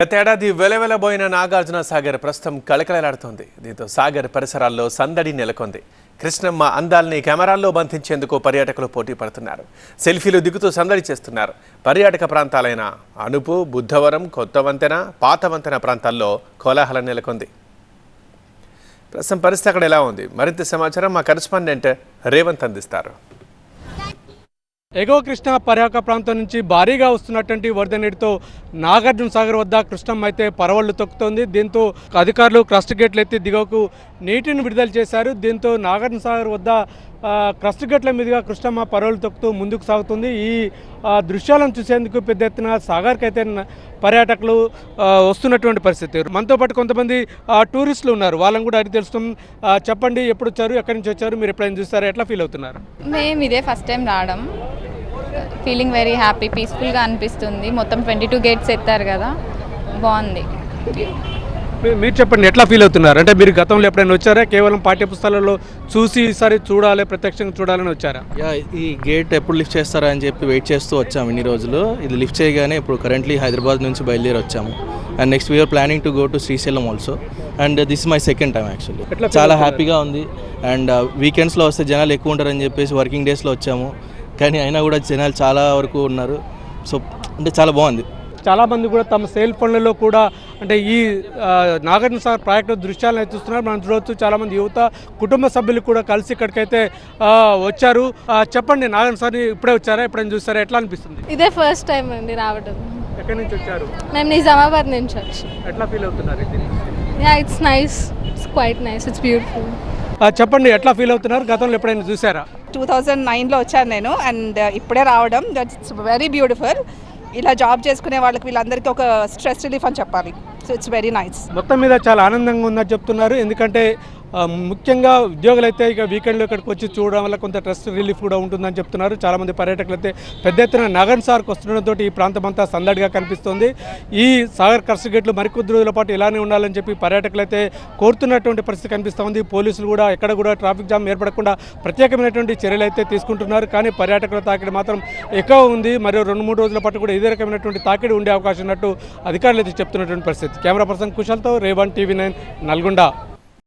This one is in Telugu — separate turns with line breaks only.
గతేడాది వెలవెలబోయిన నాగార్జున సాగర్ ప్రస్తుతం కళకళలాడుతోంది. దీంతో సాగర్ పరిసరాల్లో సందడి నెలకొంది. కృష్ణమ్మ అందాల్ని కెమెరాల్లో బంధించేందుకు పర్యాటకులు పోటీ పడుతున్నారు. సెల్ఫీలు దిగుతూ సందడి చేస్తున్నారు. పర్యాటక ప్రాంతాలైన అనుపు, బుద్ధవరం, కొత్త వంతెన, పాత వంతెన ప్రాంతాల్లో కోలాహలం నెలకొంది. ప్రస్తుతం పరిస్థితి అక్కడ ఎలా ఉంది? మరింత సమాచారం మా కరెస్పాండెంట్ రేవంత్ అందిస్తారు.
ఎగువ కృష్ణా పర్యాటక ప్రాంతం నుంచి భారీగా వస్తున్నటువంటి వరద నీటితో నాగార్జున సాగర్ వద్ద కృష్ణమ్మ అయితే పరవళ్లు తొక్కుతోంది. దీంతో అధికారులు క్రస్ట్ గేట్లు ఎత్తి దిగువకు నీటిని విడుదల చేశారు. దీంతో నాగార్జున సాగర్ వద్ద క్రస్ట్ గేట్ల మీదుగా కృష్ణమ్మ పరవళ్లు తొక్కుతూ ముందుకు సాగుతుంది. ఈ దృశ్యాలను చూసేందుకు పెద్ద ఎత్తున సాగర్కి అయితే పర్యాటకులు వస్తున్నటువంటి పరిస్థితి. మనతో పాటు కొంతమంది టూరిస్టులు ఉన్నారు. వాళ్ళని కూడా అడిగి తెలుస్తాం. చెప్పండి, ఎప్పుడు వచ్చారు, ఎక్కడి నుంచి వచ్చారు, మీరు ఎప్పుడైనా చూస్తారా, ఎట్లా ఫీల్ అవుతున్నారు?
మేము ఇదే ఫస్ట్ టైం రావడం. ఫీలింగ్ వెరీ హ్యాపీ, పీస్ఫుల్గా అనిపిస్తుంది. మొత్తం 22 గేట్స్ ఎత్తారు కదా, బాగుంది.
మీరు చెప్పండి, ఎట్లా ఫీల్ అవుతున్నారు? అంటే మీరు గతంలో ఎప్పుడైనా వచ్చారా, కేవలం పాఠ్యపుస్తకాలలో చూసి ఈసారి చూడాలి, ప్రత్యక్షంగా చూడాలని వచ్చారా?
ఈ గేట్ ఎప్పుడు లిఫ్ట్ చేస్తారా అని చెప్పి వెయిట్ చేస్తూ వచ్చాము ఇన్ని రోజులు. ఇది లిఫ్ట్ చేయగానే ఇప్పుడు కరెంట్లీ హైదరాబాద్ నుంచి బయలుదేరి వచ్చాము. And next we are planning to go to Srisailam also. And this my second time actually. చాలా హ్యాపీగా ఉంది. అండ్ వీకెండ్స్లో వస్తే జనాలు ఎక్కువ ఉంటారని చెప్పేసి వర్కింగ్ డేస్లో వచ్చాము, కానీ అయినా కూడా జనాలు చాలా వరకు ఉన్నారు. సో అంటే చాలా బాగుంది.
చాలామంది కూడా తమ సెల్ ఫోన్లలో కూడా అంటే ఈ నాగార్జున సాగర్ ప్రాజెక్టు దృశ్యాలను చూస్తున్నారు. మనం చూడవచ్చు, చాలామంది యువత, కుటుంబ సభ్యులు కూడా కలిసి ఇక్కడికైతే వచ్చారు. చెప్పండి, నాగార్జున సాగర్ ఇప్పుడే వచ్చారా, ఎప్పుడైనా చూస్తారా, ఎట్లా అనిపిస్తుంది?
ఇదే ఫస్ట్ టైం అండి రావడం.
ఎక్కడి నుంచి వచ్చారు?
మేము నిజామాబాద్ నుంచి వచ్చి.
ఎట్లా ఫీల్ అవుతున్నారు?
It's nice, it's quite nice, it's beautiful.
చెప్పండి, ఎట్లా ఫీల్ అవుతున్నారు? గతంలో ఎప్పుడైనా చూసారా?
2009లో వచ్చాను నేను, అండ్ ఇప్పుడే రావడం. That's very beautiful. ఇలా జాబ్ చేసుకునే వాళ్ళకి వీళ్ళందరికీ ఒక స్ట్రెస్ రిలీఫ్ అని చెప్పాలి. So it's very nice.
మొత్తం మీద చాలా ఆనందంగా ఉందని చెప్తున్నారు. ఎందుకంటే ముఖ్యంగా ఉద్యోగులు అయితే ఇక వీకెండ్లో ఇక్కడికి వచ్చి చూడడం వల్ల కొంత స్ట్రెస్ రిలీఫ్ కూడా ఉంటుందని చెప్తున్నారు. చాలామంది పర్యాటకులు అయితే పెద్ద ఎత్తున నాగార్జున సాగర్కి వస్తుండడంతో ఈ ప్రాంతం అంతా సందడిగా కనిపిస్తుంది. ఈ సాగర్ క్రస్ట్ గేట్లు మరికొద్ది రోజుల పాటు ఇలానే ఉండాలని చెప్పి పర్యాటకులు అయితే కోరుతున్నటువంటి పరిస్థితి కనిపిస్తుంది. పోలీసులు కూడా ఎక్కడ కూడా ట్రాఫిక్ జామ్ ఏర్పడకుండా ప్రత్యేకమైనటువంటి చర్యలు అయితే తీసుకుంటున్నారు. కానీ పర్యాటకుల తాకిడి మాత్రం ఎక్కువ ఉంది. మరియు 2-3 రోజుల పాటు కూడా ఇదే రకమైనటువంటి తాకిడి ఉండే అవకాశం ఉన్నట్టు అధికారులు అయితే చెప్తున్నటువంటి పరిస్థితి. కెమెరా పర్సన్ కుశల్తో రేవంత్, TV9 నల్గొండ.